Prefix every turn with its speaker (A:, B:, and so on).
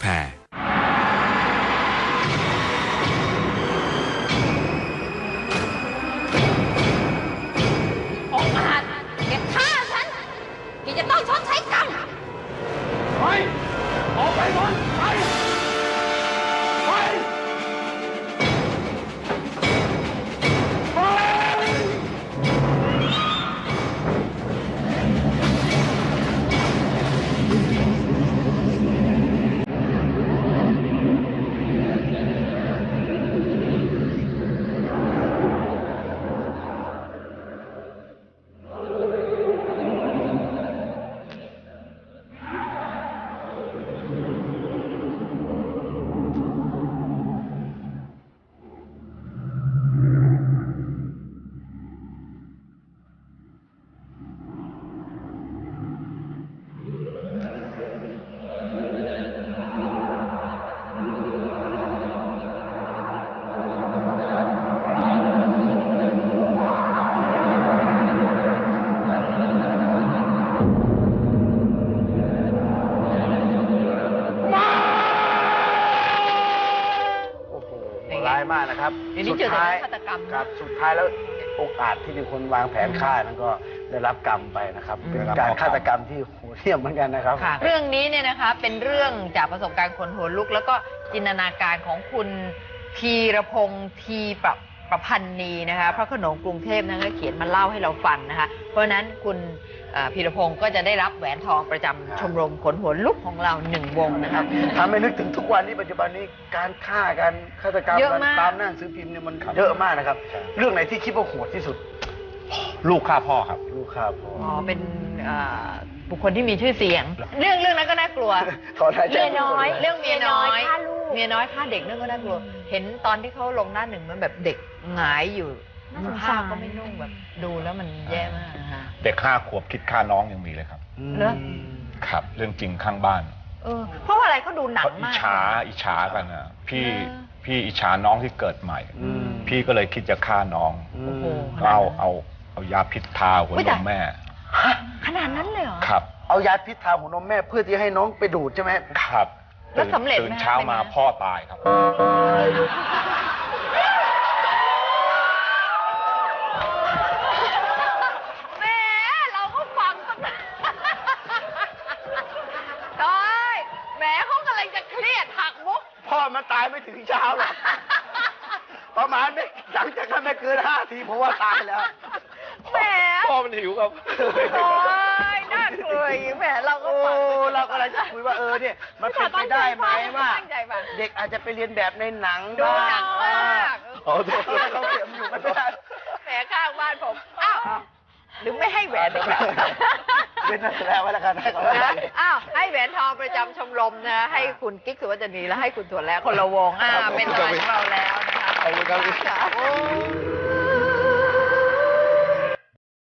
A: แพร
B: องค์อาจแกฆ่าฉันแกจะต้องชดใช้กรรม
C: ไปออกไปหมดไปไปร้ายมากนะครับสุดท้ายครับสุดท้ายแล้วโอกาสที่เป็นคนวางแผนฆ่านั้นก็ได้รับกรรมไปนะครับเป็นการฆาตกรรมที่โหดเหี้ยมเหมือนกันนะครับ
B: เรื่องนี้เนี่ยนะคะเป็นเรื่องจากประสบการณ์คนหัวลุกแล้วก็จินตนาการของคุณพีรพงษ์ทีประพันนีนะคะพระโขนงกรุงเทพนะคะเขียนมาเล่าให้เราฟังนะคะเพราะฉะนั้นคุณพีรพงษ์ก็จะได้รับแหวนทองประจำชมรมขนหัวลุกของเรา1 วงนะครับ
C: ทำให้นึกถึงทุกวันนี้ปัจจุบันนี้การฆ่าการฆาตกรรมตามหน้าหนังสือพิมพ์เนี่ยมันเยอะมากนะครับเรื่องไหนที่คิดว่าโหดที่สุดลูกฆ่าพ่อครับลูกฆ่าพ่อ
B: เป็นบุคคลที่มีชื่อเสียงเรื่องนั้นก็น่ากลัวเมียน้อยเรื่องเมียน้อยเมียน้อยฆ่าเด็กนั่นก็น่ากลัวเห็นตอนที่เขาลงหน้า 1มันแบบเด็กหงายอยู่ผ้าก็ไม่นุ่งแบบดูแล้วมันแย่มากนะคะ
D: เด็ก5 ขวบคิดฆ่าน้องยังมีเลยครับ
B: เหรอ
D: ครับเรื่องจริงข้างบ้าน
B: เพราะอะไรเขาดูหนังมาก
D: อิจฉากันนะพี่อิจฉาน้องที่เกิดใหม่พี่ก็เลยคิดจะฆ่าน้องเอายาพิษทาหัวนมแม่
B: ขนาดนั้นเลยเหรอ
D: ครับ
C: เอายาพิษทาหัวนมแม่เพื่อที่ให้น้องไปดูดใช่ไหม
D: ครับ
B: แล้วสำเร็จ
D: ตื่นเช้ามาพ่อตายครับ
B: แม่เราก็ฟังตั้งแต่ตายแม่เขากำลังจะเครียดหักมุก
C: พ่อมันตายไม่ถึงเช้าหรอกประมาณไม่หลังจากนั้นไม่เกิน5 ทีเพราะว่าตายแล้ว
B: แหม
D: พ่อมันหิวครับ
B: โอ้ยน่ากลัวแหมเราก็ฟัง
C: เราก็เลยจะคุยว่าเนี่ยมันเป็นไปได้ไหมว่าเด็กอาจจะไปเรียนแบบในหนัง
B: ดูหนังมาก
C: เขาเก็บอยู่ไม่ได้
B: แหมข้างบ้านผมอ้าวหรือไม่ให้แหวนเลย
C: เป็นนักแสดงไว้แล้วกันให้เขา
B: ให้แหวนทองประจำชมรมนะให้คุณกิ๊กสุวรรณีและให้คุณถั่วแล้วคนละวงเป็นรางวัลของเราแล้วนะคะ
D: ขอบคุณครับ